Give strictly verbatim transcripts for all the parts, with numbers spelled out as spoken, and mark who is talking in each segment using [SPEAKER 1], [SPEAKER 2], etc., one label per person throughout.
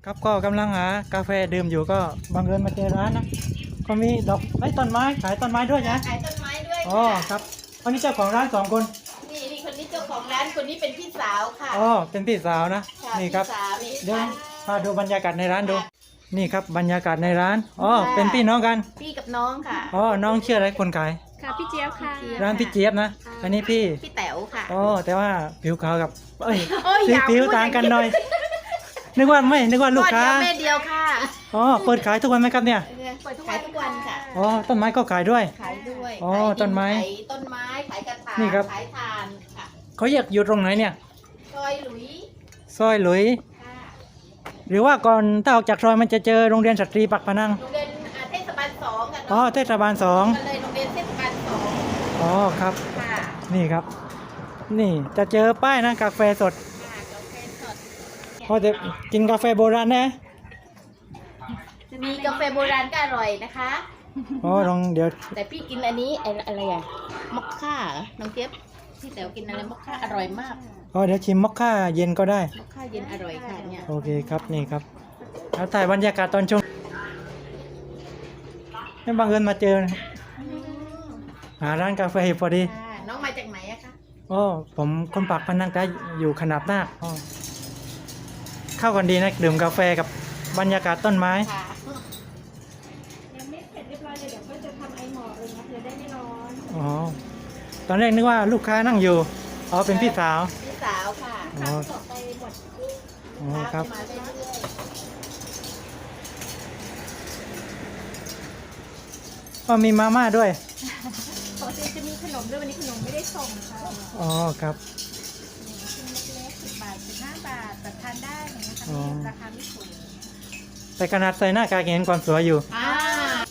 [SPEAKER 1] ครับก็กำลังหากาแฟดื่มอยู่ก็บังเอิญมาเจอร้านนะก็มีดอกไม้ต้นไม้ขายต้นไม้ด้วยนะ
[SPEAKER 2] ขายต้นไม้ด้วย
[SPEAKER 1] อ๋อ
[SPEAKER 2] ค่ะ
[SPEAKER 1] ครับวันนี้เจ้าของร้านสองคน
[SPEAKER 2] นี่นี่คนนี้เจ้าของร้านคนนี้เป็นพี่สาวค่ะ
[SPEAKER 1] อ๋อเป็นพี่สาวนะ
[SPEAKER 2] ค่ะ
[SPEAKER 1] นี่ครับ
[SPEAKER 2] พี่สาวนี่
[SPEAKER 1] เดี๋ยว
[SPEAKER 2] ร้าน
[SPEAKER 1] พาดูบรรยากาศในร้านดู
[SPEAKER 2] ค่ะ
[SPEAKER 1] นี่ครับบรรยากาศในร้านอ๋อ
[SPEAKER 2] ค่ะ
[SPEAKER 1] เป็นพี่น้องกัน
[SPEAKER 2] พี่กับน้องค่ะ
[SPEAKER 1] อ๋อน้องชื่ออะไรคนขาย
[SPEAKER 3] ค่ะพี่เจี๊ยบค่ะ
[SPEAKER 1] ร้านพี่เจี๊ยบนะอันนี้พี่
[SPEAKER 2] พี่แต๋วค่ะ
[SPEAKER 1] อ๋อแต่ว่าผิวขาวกับเอ้ย
[SPEAKER 2] โอ้ย
[SPEAKER 1] สี
[SPEAKER 2] อย่า
[SPEAKER 1] ผิว
[SPEAKER 2] พูด
[SPEAKER 1] ต่างกัน
[SPEAKER 2] อย่างนี้
[SPEAKER 1] หน่อยนึกว่าไม่นึกว่าลูกค้า
[SPEAKER 2] พ่อเดียวแม่เดียวค่ะ
[SPEAKER 1] อ๋อเปิดขายทุกวันไหมครับเนี่ย
[SPEAKER 2] เปิดขายทุกวันค่ะ
[SPEAKER 1] อ๋อต้นไม้ก็ขายด้วย
[SPEAKER 2] ขายด้วย
[SPEAKER 1] อ๋อ
[SPEAKER 2] ขายดิ
[SPEAKER 1] ต้นไม้
[SPEAKER 2] ขายต้นไม้ขายกระถาง
[SPEAKER 1] นี่ครับ
[SPEAKER 2] ขายถ่านค่ะ
[SPEAKER 1] เขาอยากอยู่ตรงไหนเนี่ย
[SPEAKER 2] ซอยหลุย
[SPEAKER 1] ซอยหลุย
[SPEAKER 2] ค่ะ
[SPEAKER 1] หรือว่าก่อนถ้าออกจากซอยมันจะเจอโรงเรียนสตรีปักพนัง
[SPEAKER 2] โรงเรียนอ่าเทศบาลสองกัน
[SPEAKER 1] อ๋อ
[SPEAKER 2] เนาะ
[SPEAKER 1] เทศบาลสอง
[SPEAKER 2] กันเลยโรงเรียนเทศบาลสอง
[SPEAKER 1] อ๋อครับ
[SPEAKER 2] ค่ะ
[SPEAKER 1] นี่ครับ นี่จะเจอป้ายนะกาแฟสด
[SPEAKER 2] ค่ะกาแฟสด
[SPEAKER 1] พอจะกินกาแฟโบราณนะ
[SPEAKER 2] มีกาแฟโบราณก็อร่อยนะคะ
[SPEAKER 1] อ๋อลองเดี๋ยว
[SPEAKER 2] แต่พี่กินอันนี้ไอ้อะไรอะมอคค่าเหรอน้องเจี๊ยบพี่แต๋วกินอะไรมอคค่าอร่อยมาก
[SPEAKER 1] อ๋อเดี๋ยวชิมมอคค่าเย็นก็ได้
[SPEAKER 2] มอคค่าเย็นอร่อยค่ะเนี่ย
[SPEAKER 1] โอเคครับนี่ครับแล้วถ่ายบรรยากาศตอนชมนี่บังเอิญมาเจอหาร้านกาแฟพอดี
[SPEAKER 2] ค่ะน้องมาจากไหนอะคะ
[SPEAKER 1] อ๋อผมคนปากพนังก็อยู่ขนาบนาคอ๋อเข้ากันดีนะดื่มกาแฟกับบรรยากาศต้นไม้
[SPEAKER 2] ค่ะ
[SPEAKER 3] ยังไม่เสร็จเรียบร้อยเลยเดี๋ยวก็จะทำไอหมอกเลยนะจะได้ไม่ร้อน
[SPEAKER 1] อ๋อตอนแรกนึกว่าลูกค้านั่งอยู่อ๋อเป็นพี่สาว
[SPEAKER 2] พี่สาวค่ะ
[SPEAKER 1] อ๋อ
[SPEAKER 3] ต่อไปหมด
[SPEAKER 1] อ๋อครับ
[SPEAKER 2] มาเรื่อย
[SPEAKER 1] อ๋อมีมาม่าด้วย
[SPEAKER 3] ปกติจะมีขนมด้วยวันนี้ขนมไม่ได้ส่งค่ะ
[SPEAKER 1] อ๋อครับ
[SPEAKER 3] ชิ้นเล็กๆสิบบาทสิบห้าบาทแต่ทานได้อย่างเงี้ยค่ะ
[SPEAKER 1] อ๋อ
[SPEAKER 3] ไม่ราคาไม่สูง
[SPEAKER 1] แต่ขนาดใส่หน้ากากยังเห็นความสวยอยู่
[SPEAKER 2] ๆอ่า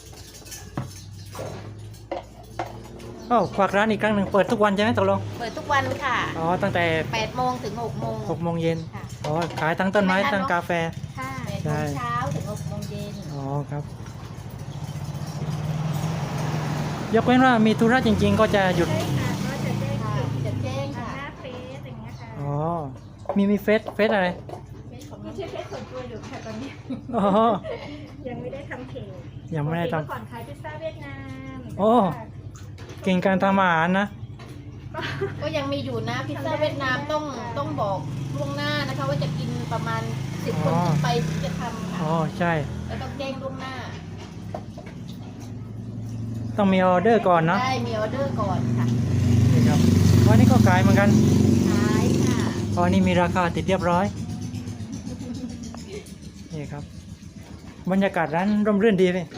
[SPEAKER 1] อ๋อฝากร้านอีกครั้งหนึ่งเปิดทุกวันใช่ไหมตกลง
[SPEAKER 2] เปิดทุกวันค่ะ
[SPEAKER 1] อ๋อตั้งแต่
[SPEAKER 2] แปดโมงถึงหกโมง
[SPEAKER 1] หกโมงเย็น
[SPEAKER 2] ค่ะ
[SPEAKER 1] อ๋อขายทั้งต้นไม้ทั้งกาแฟ
[SPEAKER 3] ค่ะ
[SPEAKER 2] แปดโมงเช้าถึงหกโมงเย็น
[SPEAKER 1] อ๋อครับ ยกเว้นว่ามีธุระจริง ๆ ก็จะหยุด
[SPEAKER 3] ใช่ค่ะก็จะได้
[SPEAKER 2] ค่ะ
[SPEAKER 3] จุด
[SPEAKER 2] จะแจ้ง
[SPEAKER 3] ห
[SPEAKER 2] ค่ะ
[SPEAKER 3] น้าเฟซอย่างเงี้ยค่ะ
[SPEAKER 1] อ๋อมีมีเฟซเฟซอะไร
[SPEAKER 2] เฟซของ
[SPEAKER 3] ไม่ใช่เฟซส่วนตัวอยู่ค่ะตอนนี้
[SPEAKER 1] อ๋อ
[SPEAKER 3] ยังไม่ได้ทำเพจ
[SPEAKER 1] ยังไม่ได้ทำ
[SPEAKER 3] ปกติเมื่อก่อนขายพิซซ่าเวียดนาม
[SPEAKER 1] โอ้ เก่งการทำอาหารนะ
[SPEAKER 2] ก็ยังมีอยู่นะพิซซ่าเวียดนามต้องต้องบอกล่วงหน้านะคะ ว่าจะกินประมาณสิบคน
[SPEAKER 1] อ๋อ
[SPEAKER 2] ขึ้นไปถึงจะทำค่ะ
[SPEAKER 1] อ๋อใช่
[SPEAKER 2] แล้วต้องแจ้งล่วงหน้า
[SPEAKER 1] ต้องมีออเดอร์ก่อนเนาะ
[SPEAKER 2] ได้มีออเดอร์ก่อนค่ะ
[SPEAKER 1] นี่ครับวันนี้ก็ขายเหมือนกัน
[SPEAKER 2] ขายค่ะ
[SPEAKER 1] ตอนนี้มีราคาติดเรียบร้อยนี่ครับ บรรยากาศร้านร่มรื่นดีเลย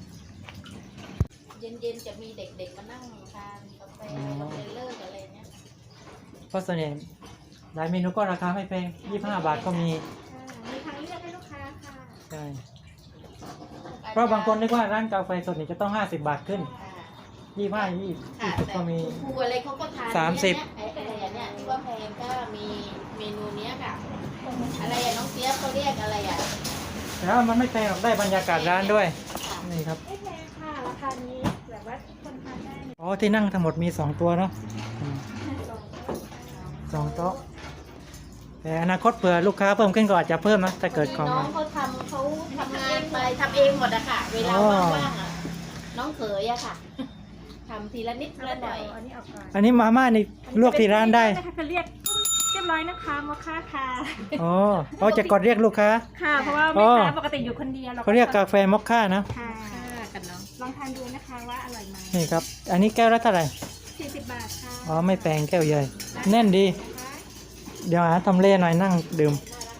[SPEAKER 2] เย็นๆจะมีเด็กๆมานั่งทานกาแฟเราไปเลิกอะไรเนี้ย
[SPEAKER 1] เพราะส่วนใหญ่หลายเมนูก็ราคาไม่แพงยี่สิบห้าบาทก็มี
[SPEAKER 3] มีทางเลือกให้ลูกค้าค่ะ
[SPEAKER 1] ใช่เพราะบางคนนึกว่าร้านกาแฟสดนี่จะต้องห้าสิบบาทขึ้น
[SPEAKER 2] ค่ะ
[SPEAKER 1] ยี่สิบห้ายี่
[SPEAKER 2] ค่ะ
[SPEAKER 1] สิบ
[SPEAKER 2] แต่
[SPEAKER 1] ก็มี
[SPEAKER 2] ครูอะไรเขาก็ทาน
[SPEAKER 1] สามสิบ
[SPEAKER 2] เนี่ยไอ้อะไรอย่างเนี้ยที่ว่าแพงก็มีเมนูเนี้ยค่ะ อะไรอะน้องเจี๊ยบเขาเรียกอะไรอะ
[SPEAKER 1] แต่ว่ามันไม่แพงหรอกได้บรรยากาศร้านด้วย
[SPEAKER 2] ค่ะ
[SPEAKER 1] นี่ครับ
[SPEAKER 3] ไม่แพงค่ะราคานี้แบบว่าคนทานได้เนี่ย
[SPEAKER 1] อ๋อที่นั่งทั้งหมดมีสองตัวเนาะอืม
[SPEAKER 3] สองโต๊ะ
[SPEAKER 1] สองโต๊ะแต่อนาคตเผื่อลูกค้าเพิ่มขึ้นก็อาจจะเพิ่มนะถ้าเกิดของ
[SPEAKER 2] น้องเขาทำเขาทำงานไปทำเองหมดอะค่ะ เวลา
[SPEAKER 1] อ๋อ
[SPEAKER 2] ว่างๆอะน้องเขยอะค่ะทำทีละนิดทีละหน่อย
[SPEAKER 3] อันนี้ออกก่อน
[SPEAKER 1] อันนี้มาม่านี่ลวกที่ร้านได้
[SPEAKER 3] เขาเรียกเรียบร้อยนะคะมอคค่าค่ะ
[SPEAKER 1] อ๋อเขาจะกดเรียกลูกค้า
[SPEAKER 3] ค่ะ เพราะว่า
[SPEAKER 1] อ๋
[SPEAKER 3] แม่
[SPEAKER 1] อ
[SPEAKER 3] ค้าปกติอยู่คนเดียว
[SPEAKER 1] เขาเรียกกาแฟมอคค่านะ
[SPEAKER 3] ค่ะ
[SPEAKER 2] ค่ะกันเนาะ
[SPEAKER 3] ลองทานดูนะคะว่าอร่อยไหม
[SPEAKER 1] นี่ครับ อันนี้แก้วละเท่าไหร่
[SPEAKER 3] สี่สิบบาทค่ะ
[SPEAKER 1] อ๋อไม่แพงแก้วใหญ่แน่นดี เดี๋ยวหาทำเลหน่อยนั่งดื่ม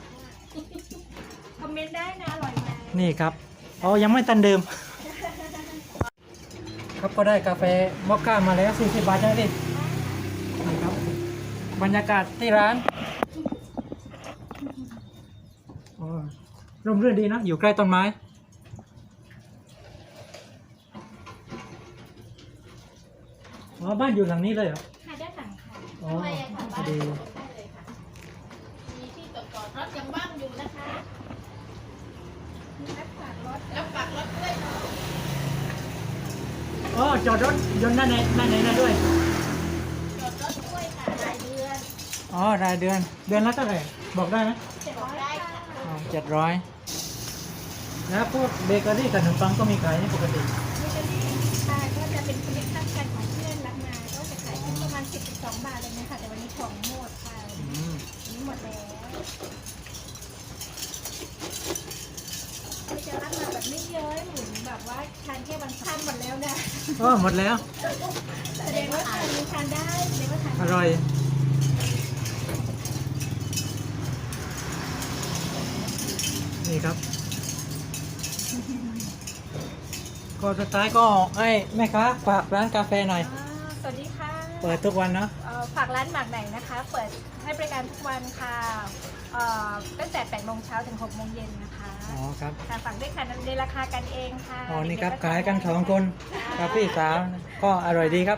[SPEAKER 3] คอมเมนต์ได้นะอร่อยไหม
[SPEAKER 1] นี่ครับอ๋อยังไม่ตันดื่ม ครับก็ได้กาแฟมอคค่ามาแล้วสี่สิบบาทใช่ไหมพี่นี่ครับบรรยากาศที่ร้านอ๋อร่มรื่นดีนะอยู่ใกล้ต้นไม้อ๋อบ้านอยู่หลังนี้เลยเหรอ
[SPEAKER 3] ค่ะด้านหลังค่ะ
[SPEAKER 1] อ๋อ
[SPEAKER 2] ทำไมอะค่ะ
[SPEAKER 1] พ
[SPEAKER 2] บ้า
[SPEAKER 1] อน ดี
[SPEAKER 2] ได้เลยค่ะมีที่จอดจอดรถยังว่างอยู่นะคะ
[SPEAKER 3] มีรักษารถ
[SPEAKER 2] แล้วปักรถด้วยเนาะ
[SPEAKER 1] อ๋อจอดรถยนต์ด้านในด้านในได้ด้วย
[SPEAKER 2] จอดรถด้วยค่ะรายเดือน
[SPEAKER 1] อ๋อรายเดือนเดือนละเท่าไหร่บอกได้ไหม
[SPEAKER 3] เจ็ด
[SPEAKER 2] บ
[SPEAKER 3] ร้
[SPEAKER 2] อ
[SPEAKER 3] อก ย
[SPEAKER 2] ได้
[SPEAKER 3] ค่ะ
[SPEAKER 2] ค่ะ
[SPEAKER 1] อ๋อเจ็ดร้อย
[SPEAKER 2] ค
[SPEAKER 1] แล้วพวกเบเกอรี่กับขนมปังก็มีขายนี่ปกติ
[SPEAKER 3] เบเกอรี่ค่ะก็จะเป็นคอลเลคชั่นกันของเพื่อนรับมาก็จะขายที่ประมาณสิบถึงสองบาทเลยนะคะแต่วันนี้ของหมดค่ะ
[SPEAKER 1] อืม
[SPEAKER 3] วันนี้หมดแล้วเราจะรับมาแบบไม่เยอะหมุนแบบว่าทานแค่วันทานหมดแล้วนะ
[SPEAKER 1] โอ้หมดแล้ว
[SPEAKER 3] แสดงว่าทานยังทานได้แสดงว่าทาน
[SPEAKER 1] อร่อย นี่ครับก็สุดท้ายก็ให้แม่ค้าฝากร้านกาแฟหน่อย
[SPEAKER 3] อ่าสวัสดีค่ะ
[SPEAKER 1] เปิดทุกวันเนาะ
[SPEAKER 3] เอ่อฝากร้านหมากไหนนะคะ เปิดให้บริการทุกวันค่ะเอ่อตั้งแต่แปดโมงเช้าถึงหกโมงเย็นนะคะ
[SPEAKER 1] อ๋อครับ
[SPEAKER 3] ค่ะฝากด้วยค่ะในราคากันเองค่ะ
[SPEAKER 1] อ๋อนี่ครับ
[SPEAKER 3] เด็กๆ
[SPEAKER 1] ขายกันสองคนกับพี่สาวก็อร่อยดีครับ